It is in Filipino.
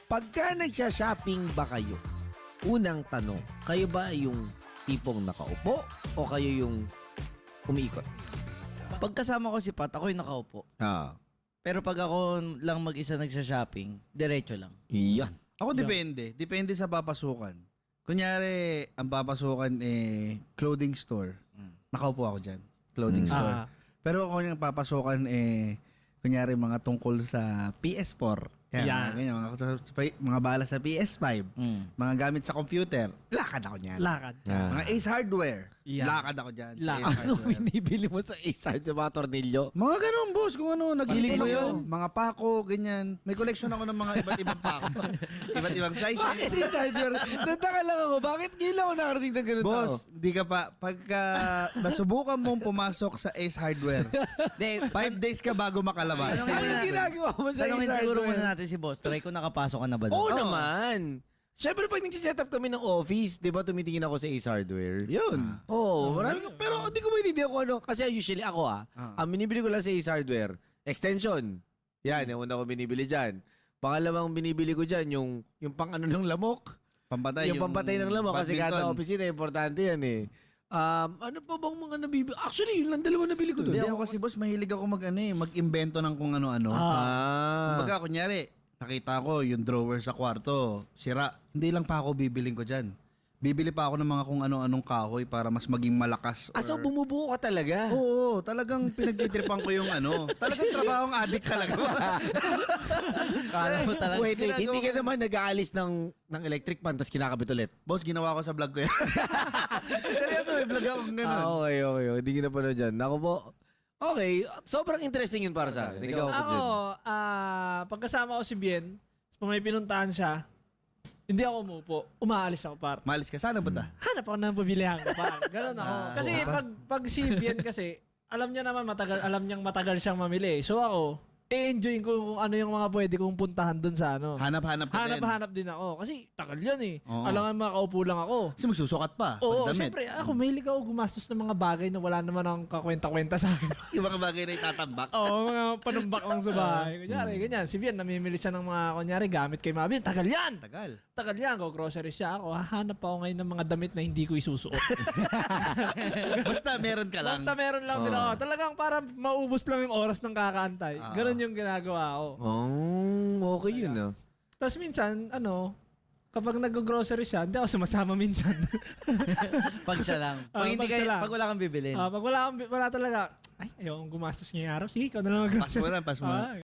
Pagka nagsha-shopping ba kayo, unang tanong, kayo ba yung tipong nakaupo o kayo yung umiikot? Pagkasama ko si Pat, ako yung nakaupo. Ah, Pero pag ako lang mag-isa nagsha-shopping, diretso lang. yan. Ako depende. Depende sa papasukan. Kunyari, ang papasukan clothing store. Nakaupo ako dyan. Clothing store. Pero kung yung papasukan kunyari mga tungkol sa PS4. Yan. Ganyan, mga bala sa PS5. Mga gamit sa computer. Lakad ako niyan. Lakad. Ah. Mga Ace Hardware. Yan. Lakad ako dyan. Sa Lakad. Ace Ano Hardware. binibili mo sa Ace yung mga tornilyo? Mga ganun, boss. Kung ano, nagiling mo Pati yun. Mga pako, ganyan. May collection ako ng mga iba't ibang pako. Iba't ibang sizes. Ace Hardware. Nagtaka lang ako, bakit ngayon ako nakarating ng ganun Boss, di ka pa, pagka nasubukan mong pumasok sa Ace Hardware, 5 days ka bago makalabas. Tanungin Ano natin. ginagawa mo sa Tanungin Ace siguro Hardware? muna natin si Boss. Try ko nakapasok ka na ba doon? Oo naman. Siyempre pag nagsiset up kami ng office, di ba tumitingin ako sa Ace Hardware? Yun. Oo, marami ko. Pero hindi ko maintindihan kung ano. Kasi usually ako ang binibili ko lang sa Ace Hardware, extension. Yan, yung una ko binibili dyan. Pangalawang binibili ko dyan, yung pang ano ng lamok. Pampatay. Yung pampatay ng lamok kasi kada badminton. opisina, importante yan eh. Ano pa bang mga nabibili? Actually, yun lang dalawa nabili ko doon. Hindi ako kasi boss, mahilig ako mag-invento ng kung ano-ano. Kumbaga, kunyari, nakita ko yung drawer sa kwarto, sira. Hindi lang pa ako bibiling ko dyan. Bibili pa ako ng mga kung ano-anong kahoy para mas maging malakas. So bumubuo ka talaga? Oo, talagang pinagtitripan ko yung ano. Talagang trabahong addict talaga. Kala mo talaga. Wait, hindi ka naman nag-aalis ng electric pan tapos kinakabit ulit? Boss, ginawa ko sa vlog ko yan. Seryoso, may vlog akong ganun. Okay. Hindi ko na pa dyan. Ako po, okay, sobrang interesting yun para sa akin. Ikaw po Ako, dyan. pagkasama ko si Bien, kung may pinuntahan siya, hindi ako umupo. Umaalis ako, par. Maalis ka, sana punta? Hanap ako ng pabilihan ko, par. Ganun ako. Kasi pag si Bien kasi, alam niya naman alam niyang matagal siyang mamili. So ako, enjoy ko kung ano yung mga pwede kong puntahan dun sa ano. Hanap-hanap ka din. Hanap din ako. Kasi tagal yan eh. Oo. Alam nga makaupo lang ako. Kasi magsusukat pa. Oo, pagdamit. syempre, ako mahilig ako gumastos ng mga bagay na wala naman ang kakwenta-kwenta sa akin. Yung mga bagay na itatambak. Oo, mga panumbak lang sa bahay. Kunyari, ganyan. Si Bien, namimili siya ng mga, kunyari, gamit kay Mabin. Tagal yan! Tagal. Tagal yan. Go grocery siya ako. Hahanap ako ngayon ng mga damit na hindi ko isusuot. Basta meron ka lang. Basta meron lang din ako. Talagang para maubos lang yung oras ng kakaantay. Ganon yung ginagawa ko. Oh, okay yun ah. Tapos minsan, kapag nag-grocery siya, hindi ako sumasama minsan. Pag siya lang. Pag, hindi pag siya lang. pag wala kang bibilin. Pag wala talaga, ay, ayokong gumastos ngayong araw. Sige, ikaw na lang mag-grocery. Pas mo na. Ah,